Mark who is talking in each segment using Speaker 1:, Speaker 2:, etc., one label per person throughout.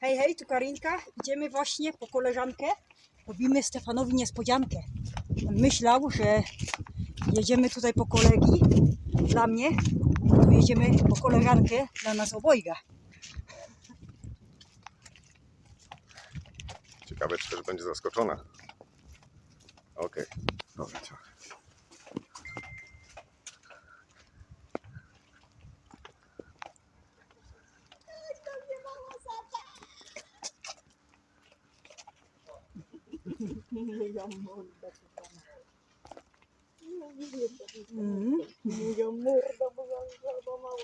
Speaker 1: Hej, hej, tu Karinka. Idziemy właśnie po koleżankę. Robimy Stefanowi niespodziankę. On myślał, że jedziemy tutaj po kolegi dla mnie, a tu jedziemy po koleżankę dla nas obojga.
Speaker 2: Ciekawe, czy też będzie zaskoczona. Okej, dobra, ciach.
Speaker 1: Moja morda, bo mała.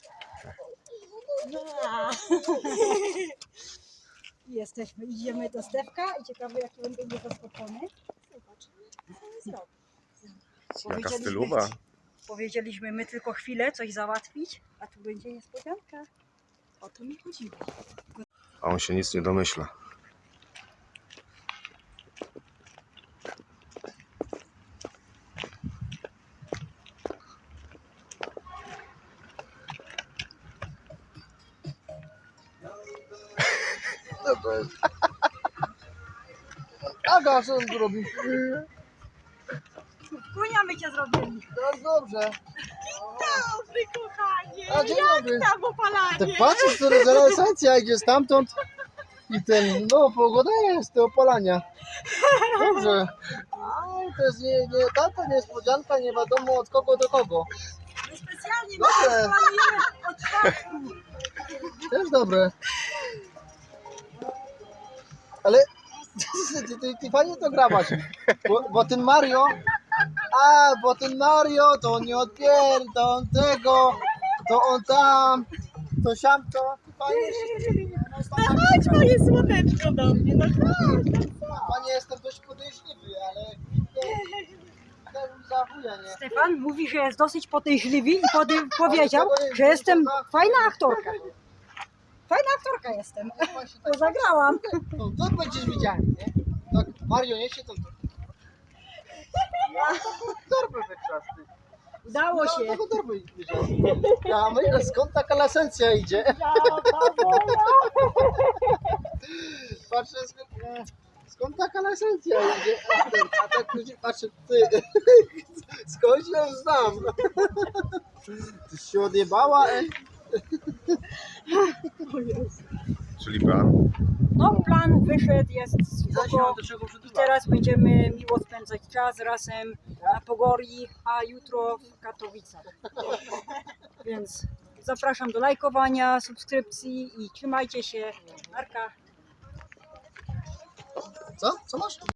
Speaker 1: Jesteśmy, idziemy do Stefka i ciekawe, jaki on będzie zaskoczony.
Speaker 2: Jaka stylowa.
Speaker 1: Powiedzieliśmy my tylko chwilę coś załatwić, a tu będzie niespodzianka. O to mi chodziło.
Speaker 2: A on się nic nie domyśla.
Speaker 3: Aga, co on zrobi?
Speaker 1: Kunia my cię zrobili.
Speaker 3: Tak dobrze.
Speaker 1: Dobry, kochanie.
Speaker 3: A dzień dobry.
Speaker 1: Tam opalanie.
Speaker 3: Tak patrzysz, to renesancja idzie stamtąd i ten, no pogoda jest do opalania. Dobrze. A to jest nie taka niespodzianka, nie wiadomo od kogo do kogo.
Speaker 1: My specjalnie
Speaker 3: Dobrze.
Speaker 1: od czwartku.
Speaker 3: Też dobre. Ale ty fajnie to grabasz, bo ten Mario, bo ten Mario to on nie odpier, to on tego, to on tam, to siam to. Fajnie się.
Speaker 1: No chodź moje słoneczko do mnie, no chodź.
Speaker 3: Panie, jestem dość podejrzliwy, ale ten zachuje, nie?
Speaker 1: Stefan mówi, że jest dosyć podejrzliwy i powiedział, że jestem fajna aktorka. Fajna aktorka jestem, bo zagrałam.
Speaker 3: To będziesz widziany, nie? Tak, Mario, nie się to. Ja taką torbę wykrzasty.
Speaker 1: Udało się.
Speaker 3: Ja taką torbę wziąłem. Ja myślę, skąd taka lasencja idzie? Patrzę, skąd taka lasencja idzie? A tak ludzie patrzę, ty, skąd ją znam? Ty się odjebała,
Speaker 2: Czyli plan.
Speaker 1: No plan wyszedł, jest spoko. I teraz będziemy miło spędzać czas razem na Pogori, a jutro w Katowicach. Więc zapraszam do lajkowania, subskrypcji i trzymajcie się. Narka.
Speaker 3: Co? Co masz?